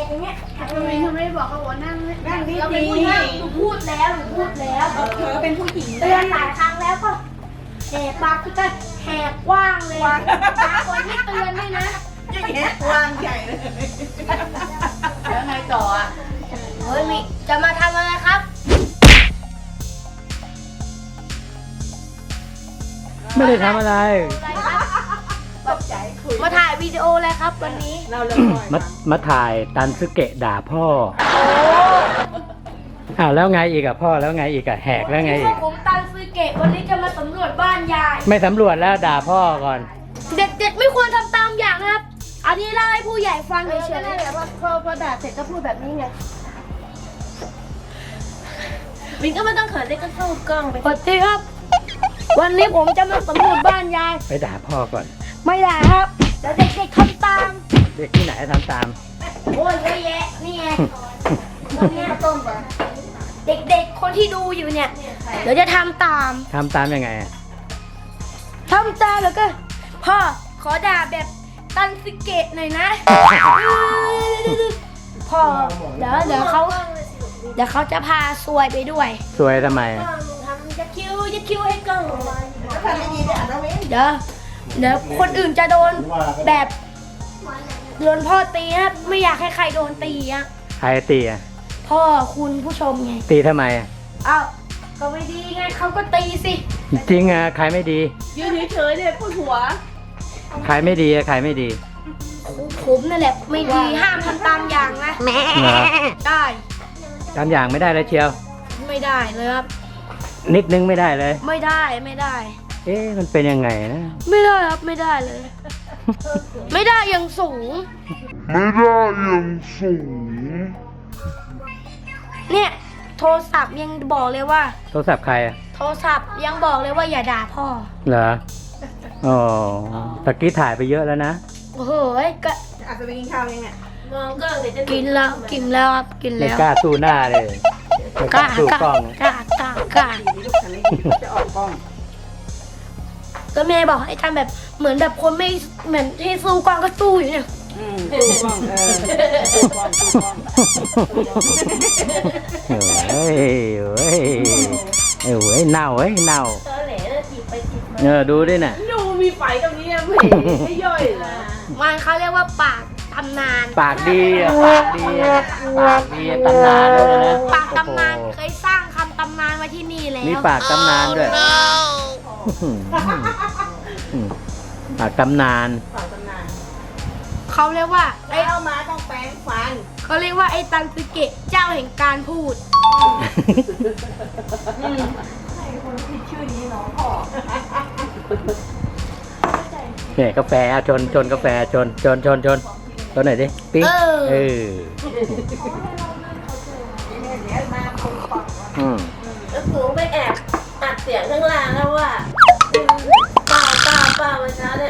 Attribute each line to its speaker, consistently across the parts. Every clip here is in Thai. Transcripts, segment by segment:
Speaker 1: อย่างเงี้ย
Speaker 2: ทำไมไม่บอกเขาว่านั่ง
Speaker 1: ดี
Speaker 2: เราเป็นผู้หญิงหนูพูดแล้ว
Speaker 1: เธอเป็นผู้หญิง
Speaker 2: เตือนหลายครั้งแล้วก็แหกปากก็แหกกว้างเลยบางคนไม่เตือนด้วยนะ
Speaker 1: อย่างเงี้ยวางใหญ่เลยแล้วไงต่ออ่ะ
Speaker 2: เฮ้ยมิจะมาทำอะไรครับ
Speaker 3: ไม่ได้ทำอะไร
Speaker 2: อะไรครับ
Speaker 1: ตกใจคุย
Speaker 2: มาถ่ายวิดีโอเลยครับวันนี้
Speaker 1: เราเลยปล่อย
Speaker 3: มาถ่ายตันซึเกะด่าพ่อ
Speaker 2: โอ้
Speaker 3: อ้าวแล้วไงอีกอะพ่อแล้วไงอีกอะแหกแล้วไงอีก
Speaker 2: ผมตันซึเกะวันนี้จะมาสำรวจบ้านยาย
Speaker 3: ไม่สำรวจแล้วด่าพ่อก่อน
Speaker 2: เด็กๆไม่ควรทำตามอย่างนะครับ อันนี้เล่าให้ผู้ใหญ่ฟังเฉยๆ
Speaker 1: แต่ว่าพอด่าเสร็จก็พูดแบบนี้ไงวินก็ไม่ต้องเขินเลยก็เข้ากล้องไป
Speaker 2: สวัสดีครับ วันนี้ผมจะมาสำรวจบ้านยาย
Speaker 3: ไปด่าพ่อก่อน
Speaker 2: ไม่ได้ครับเดี๋ยวเด็กๆทำตาม
Speaker 3: เด็กที่ไหนทำตาม
Speaker 2: โอ้ยเยอะแยะนี่ไงวันนี้ต้มเด็กๆคนที่ดูอยู่เนี่ย เดี๋ยวจะทำตาม
Speaker 3: ทำตามยังไงอะ
Speaker 2: ทำตามแล้วก็พ่อขอด่าแบบตันสิเกะหน่อยนะพ่อเดี๋ยวเขาจะพาซวยไปด้วย
Speaker 3: สวยทำไมอะ
Speaker 2: ทำยัดคิ้วให้กล้อง
Speaker 1: ทำดีๆด้วยอ่ะนะวิน
Speaker 2: เดี๋ยวคนอื่นจะโดนแบบโดนพ่อตีนะไม่อยากให้ใครโดนตีอ่ะ
Speaker 3: ใครตีอะ
Speaker 2: พ่อคุณผู้ชมไง
Speaker 3: ตีทำไมอะ
Speaker 2: อ้าวก็ไม่ดีไงเขาก็ตีสิ
Speaker 3: จริงอะใครไม่ดี
Speaker 1: ยืนเฉยๆเนี่ยปวดหัว
Speaker 3: ใครไม่ดีอะใครไม่ดี
Speaker 2: ผมนั่นแหละไม่ดีห้ามทำตามอย่างนะ
Speaker 3: เหรอ
Speaker 2: ได้
Speaker 3: ตามอย่างไม่ได้เลยเชียว
Speaker 2: ไม่ได้เลยครับ
Speaker 3: นิดนึงไม่ได้เลย
Speaker 2: ไม่ได้
Speaker 3: เอ๊ะมันเป็นยังไงนะ
Speaker 2: ไม่ได้ครับไม่ได้เลย ไม่ได้อย่างสูง เนี่ยโทรศัพท์ยังบอกเลยว่า
Speaker 3: โทรศัพท์ใครอะ
Speaker 2: โทรศัพท์ยังบอกเลยว่าอย่าด่าพ่อ
Speaker 3: เหรออ๋อตะกี้ถ่ายไปเยอะแล้วนะ
Speaker 2: โอ้โหก็
Speaker 1: อาจจะไปกินข้าวยังเนี่ยมองก็เดี๋ยวจะ
Speaker 2: กินแล้วครับกิน
Speaker 3: ไม่
Speaker 2: แล้ว
Speaker 3: กล้าสู้หน้าเลยไม่กล้าสู้กล้อง
Speaker 2: กล้า
Speaker 1: ดีลูกฉันไม่ดีจะออกกล้อง
Speaker 2: ก็แม่บอกให้ทำแบบเหมือนแบบคนไม่เหมือนที่สู้กวางก็สู้อยู่เนี่ย
Speaker 1: ตู้กล้องตู้กล้องตู้กล้อง
Speaker 3: เฮ้ยเฮ้ยเฮ้ยเน่าเฮ้ยเน่า
Speaker 1: เธอแหล่ถีบไปถีบมา
Speaker 3: ดูดิน่ะ
Speaker 1: ดูมีไฟตรงนี้ไม่ไม่ย่อยเหรอ
Speaker 2: มันเขาเรียกว่าปากตำนาน
Speaker 3: ปากดีอะปากดีอะปากดีอะตำนานด้วยนะ
Speaker 2: ปากตำนาน
Speaker 3: โอ้โห
Speaker 2: เคยสร้างคำตำนานไว้ที่นี่แล้ว
Speaker 3: มีปากตำนานด้วยปากตำนาน
Speaker 1: ฝากตำนาน
Speaker 2: เขาเรียกว่า
Speaker 1: ไอ้เอามาต้องแปรงฟัน
Speaker 2: เขาเรียกว่าไอ้ตันสึเกะเจ้าแห่งการพูด
Speaker 1: ชื่อนี้น้องพ่อ
Speaker 3: เนี่ยกาแฟเอาชนกาแฟชนหน่อยดิปิ๊งเออ
Speaker 1: เดี๋ยวมาคนฟัง
Speaker 4: แล้วหนูไปแอบอัดเสียงข้างล่างแล้วว่าป้าวันเช้าเนี่ย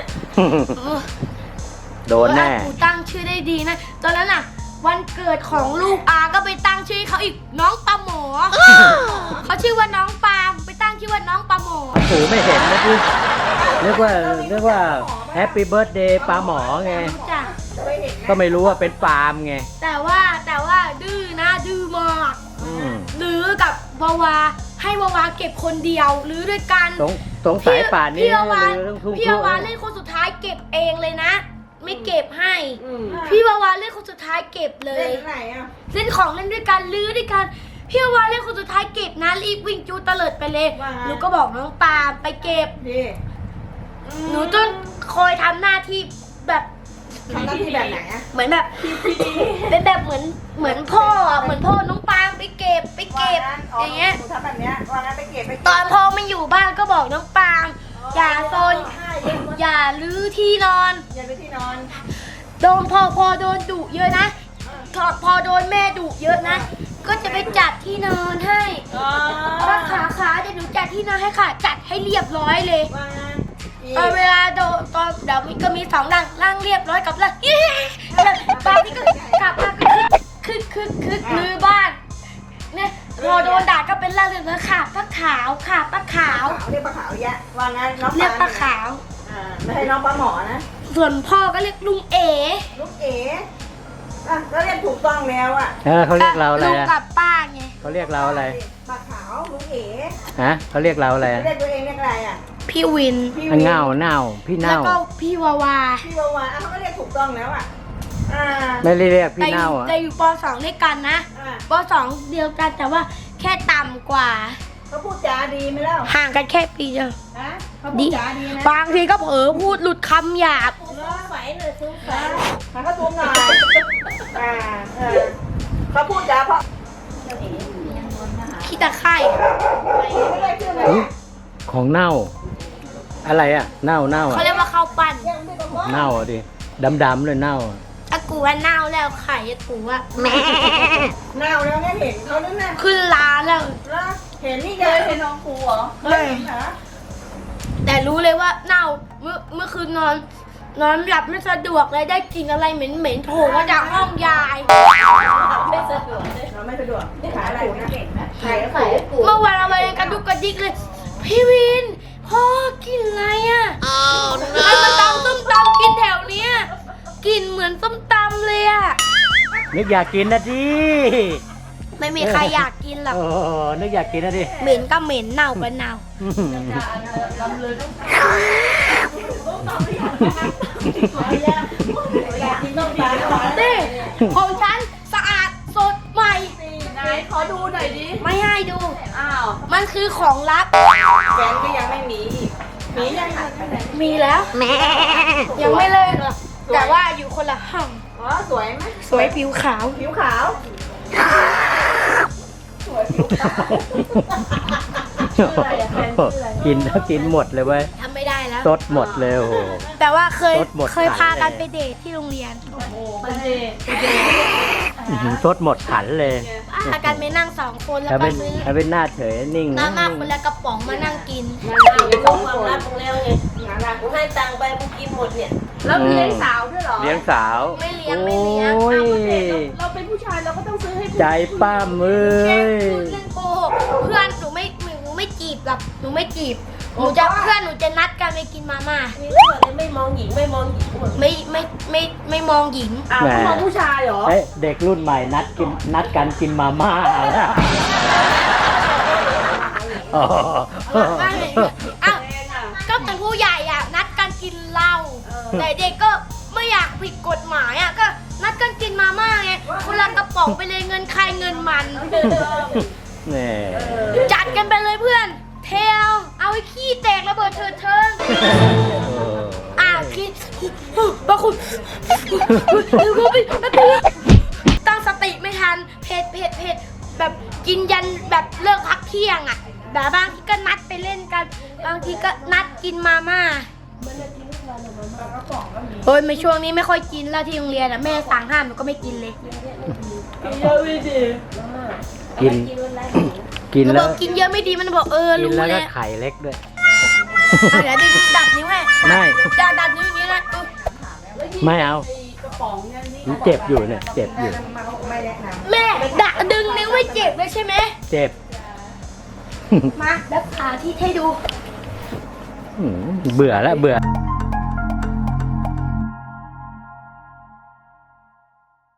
Speaker 3: โดนแน่
Speaker 2: กูตั้งชื่อได้ดีนะ ตอนนั้นน่ะ วันเกิดของลูกอาก็ไปตั้งชื่อให้เขาอีกน้องปลาหมอ เขาชื่อว่าน้องปาล์มไปตั้งชื่อว่าน้องปลาหมอ
Speaker 3: หูไม่เห็นนะพี่นึกว่าแฮปปี้เบิร์ดเดย์ปลาหมอไง
Speaker 2: จ้ะ
Speaker 3: ก็ไม่รู้ว่าเป็นปาล์มไง
Speaker 2: แต่ว่าดื้อนะดื้อมาก
Speaker 3: อืม
Speaker 2: หรือกับวาวาให้วาวาเก็บคนเดียวหรือด้วยกัน
Speaker 3: สงสัยป่านนี้
Speaker 2: พี่วาวา
Speaker 3: เรื่องทุ่ง
Speaker 2: พี่วาวาเล่นคนสุดท้ายเก็บเองเลยนะ ไม่เก็บให้ พี่วาวาเล่นคนสุดท้ายเก็บเล
Speaker 1: เล่
Speaker 2: ย
Speaker 1: นไหนอ่ะ
Speaker 2: เล่นของเล่นด้วยกันลื้อด้วยกันพี่วาวาเล่นคนสุดท้ายเก็บนะรีบวิ่งจูเตลิดไปเลยหนูก็บอกน้องปาล์มไปเก็บ
Speaker 1: ดี
Speaker 2: หนูต้องคอยทำหน้าที่แบบ
Speaker 1: ทำหน้าที่แบบไหนอ่ะ
Speaker 2: เหมือนแบบเป็นแบบเหมือนพ่ออะเหมือนพ่อน้องปาล์มไปเก็บอย่างเงี้ย
Speaker 1: หนูทำแบบเนี้ยว่างั้นไปเก็บไป
Speaker 2: ตอนพ่อไม่อยู่บ้านก็บอกน้องปาล์มอย่าโซนอย่าลื้อที่นอน
Speaker 1: อย่าไปที่นอน
Speaker 2: โดนพอโดนดุเยอะนะพอโดนแม่ดุเยอะนะ ก็จะไปจัดที่นอนให้ว่าขาเดี๋ยวหนูจัดที่นอนให้ค่ะ จัดให้เรียบร้อยเลย
Speaker 1: ว่างั้น
Speaker 2: ตอนเวลาโดนตอนเดี๋ยวก็มี2ดังร่างเรียบร้อยกับร่างตอนนี้ก็กลับมาคึกมือบ้านเนี่ยพอโดนด่าก็เป็นร่างเรียบร้อยค่ะป้าขาวค่ะป้าขาว
Speaker 1: เรียกปลาขาวแยะว่างั้นน้อง
Speaker 2: เรียกป้าขาว
Speaker 1: ไม่ให้น้องปลาหมอนะ
Speaker 2: ส่วนพ่อก็เรียกลุงเอ๋
Speaker 1: ลูกเอ๋อ่ะก็เรียกถูกต้องแล้วอ่ะ
Speaker 3: เขาเรียกเราอะไร
Speaker 2: ลุง
Speaker 3: อะ
Speaker 2: กับป้าไง
Speaker 3: เขาเรียกเราอะไร
Speaker 1: ปากขาวลุงเอ๋
Speaker 3: ฮะเขาเรียกเราอะไรอะ
Speaker 1: เรียกตัวเองเรียกอะไรอ่ะ
Speaker 2: พี่วิน
Speaker 1: พี่
Speaker 3: เน่าเน่าพี่
Speaker 2: แล้ว
Speaker 3: เน่า
Speaker 2: ก็พี่วาวา
Speaker 1: พี่วาวาเขาก็เรียกถูกต้องแล้วอ่ะ
Speaker 3: ไม่ได้เรียกพี่
Speaker 2: แต่อ
Speaker 3: เน่า
Speaker 2: ยู่
Speaker 3: อ่ะ
Speaker 2: แต่อยู่ป .2 ด้วยกันนะ
Speaker 1: อ่า
Speaker 2: ป .2 เดียวกันแต่ว่าแค่ต่ำกว่า
Speaker 1: เขาพูดจาดีไหมเล่า
Speaker 2: ห่างกันแค่ปีเดียว
Speaker 1: ฮะเขาพูดจาดีนะ
Speaker 2: บางทีก็เผลอพูดหลุดคำหยาบ
Speaker 4: ไหวหน่อยซุ้มไหว
Speaker 1: มาเขาตูมหน่อยเขาพูดจาเพราะ
Speaker 2: ขี้ตะไคร่
Speaker 1: ไม่ได้ชื่อไหม
Speaker 3: อุ๊ยของเน่า อะไรอ่ะ เน่าเน่า
Speaker 2: เขา
Speaker 3: อ่ะ
Speaker 2: เรียกว่าข้าวปั้น
Speaker 3: เน่าอ่ะดิดำๆเลยเน่าอะ
Speaker 2: อากูว่าเน่าแล้วไข่อากูว่าแม่
Speaker 1: เน่าแล้วเนี่ยเห็นเขาด้วยนะ
Speaker 2: ขึ้นร้านแล้ว
Speaker 1: แล้วเห็นนี่เลยเห็นน้องครูเหรอเคยเห็นเหรอ
Speaker 2: แต่รู้เลยว่าเน่าเมื่อคืนนอนหลับไม่สะดวกเลยได้กลินอะไรเหม็นๆโผล่มาจากห้องยาย
Speaker 4: ไม่สะดวกเลย
Speaker 1: เราไม่สะดวกขายอะไรนะขาย
Speaker 4: ใส่ให้กู
Speaker 2: เมื่อวานเราไปกระดุกกระดิกเลย พี่วินพ่อกินอะไรอ่ะให้มาตำส้มตำกินแถวเนี้ยกลิ่นเหมือนส้มตำเลยอ่ะ
Speaker 3: นึกอยากกินนะดิ
Speaker 2: ไม่มีใครอยากกินหรอก
Speaker 3: โอ้นึกอยากกินนะดิ
Speaker 2: เหม็นก็เหม็นเน่าก็เน่า
Speaker 1: อยากกินต้มปลา
Speaker 2: นี่ของฉันสะอาดสดใหม่
Speaker 1: ไหนขอดูหน่อยดิ
Speaker 2: ไม่ให้ดู
Speaker 1: อ้าว
Speaker 2: มันคือของลับ
Speaker 1: แฟนก็ยังไม่มีอีกมียังไง
Speaker 2: มีแล้วยังไม่เลิกหรอกแต่ว่าอยู่คนละห้อง
Speaker 1: อ๋อสวยไหม
Speaker 2: สวยผิวขาว
Speaker 1: ผิวขาว
Speaker 3: กินแล้วกินหมดเลยเว้ย
Speaker 2: ทำไม่ได้แล้ว
Speaker 3: ซดหมดเลยโอ้โห
Speaker 2: แต่ว่าเคย
Speaker 3: รถหมด
Speaker 2: เคยพากัน
Speaker 3: ขายเลย
Speaker 2: ไปเดทที่โรงเรียน
Speaker 3: ซดหมดขันเลย
Speaker 2: พากันไปนั่งสองคนแล้ว
Speaker 3: ถ้า
Speaker 2: ก็
Speaker 3: เป็น
Speaker 2: ซื้อ
Speaker 3: ถ้าเป็นหน้าเฉยนิ่ง
Speaker 2: มาม่าคนละกระป๋องมานั่งกิน
Speaker 4: เอาไปส่งความลับมึงแล้วไง
Speaker 1: งานรัก
Speaker 4: กูให้ตังค์ไปมึงกินหมดเนี่ย
Speaker 1: แล้วมีเลี้ยงสาวด้วยเหรอ
Speaker 3: เลี้ยงสาว
Speaker 2: ไม่เลี้ยงไม่เลี้ยง
Speaker 3: โอ้ย
Speaker 1: เราเป็นผู้ชายเราก็ต้องซื้อให้
Speaker 3: ใจป้ามเอ้
Speaker 2: แค่
Speaker 3: ย
Speaker 2: พูดเล่นโกหกเพื่อนหนูไม่จีบหรอกหนูไม่จีบหนูจะเพื่อนหนูจะนัดกันไปกินมาม่า
Speaker 4: มีเรื่องอะไรไม่มองหญิงไม่มองหญิงหมด
Speaker 2: ไม่มองหญิง
Speaker 1: อ้าวเขามองผู้ชายเหรอ
Speaker 3: เอ้ยเด็กรุ่นใหม่นัดกันกินมาม่าแล้วอ๋อ
Speaker 2: ว่าไงอ้าวก็เป็นผู้ใหญ่อ่ะนัดกันกินเหล้าแต่เด็กก็ไม่อยากผิดกฎหมายอ่ะก็นัดกันกินมาม่าไงคนละกระป๋องไปเลยเงินใครเงินมัน
Speaker 3: แหม่
Speaker 2: จัดกันไปเลยเพื่อนเทลเอาไอ้ขี้แตกระเบิดเถิดเทิงขี้บางคนตั้งสติไม่ทันเผ็ดแบบกินยันแบบเลิกพักเที่ยงอ่ะแต่บางทีก็นัดไปเล่นกัน บางทีก็นัดกินมาม่าโอ้ยไม่ช่วงนี้ไม่ค่อยกินแล้วที่โรงเรียนอ่ะแม่สั่งห้ามหนูก็ไม่กินเลย
Speaker 1: เยอะไม่ดี
Speaker 3: กิน กิน
Speaker 2: หนูบ
Speaker 3: แล้
Speaker 2: อ
Speaker 3: ว
Speaker 2: กกินเยอะไม่ดีมันบอก
Speaker 3: กิน
Speaker 2: รู้
Speaker 3: แล้ว
Speaker 2: แล้
Speaker 3: ก็
Speaker 2: ว
Speaker 3: ไข่เล็กด้วย
Speaker 2: เดี๋ยวดัดนิ้วให้
Speaker 3: ไม่
Speaker 2: ดัดนิ้วอย่างนี้นะ
Speaker 3: ไม่เอา
Speaker 1: กระป๋องเนี่ยนี่
Speaker 3: มันเจ็บอยู่เนี่ย เจ็บอยู่
Speaker 1: มาเขาไม่แนะนำ
Speaker 2: แม่ดึงนิ้วไม่เจ็บเลยใช่ไหม
Speaker 3: เจ็บ
Speaker 2: มาแล้วพาที่ให้ดู
Speaker 3: เบื่อแล้วเบื่อ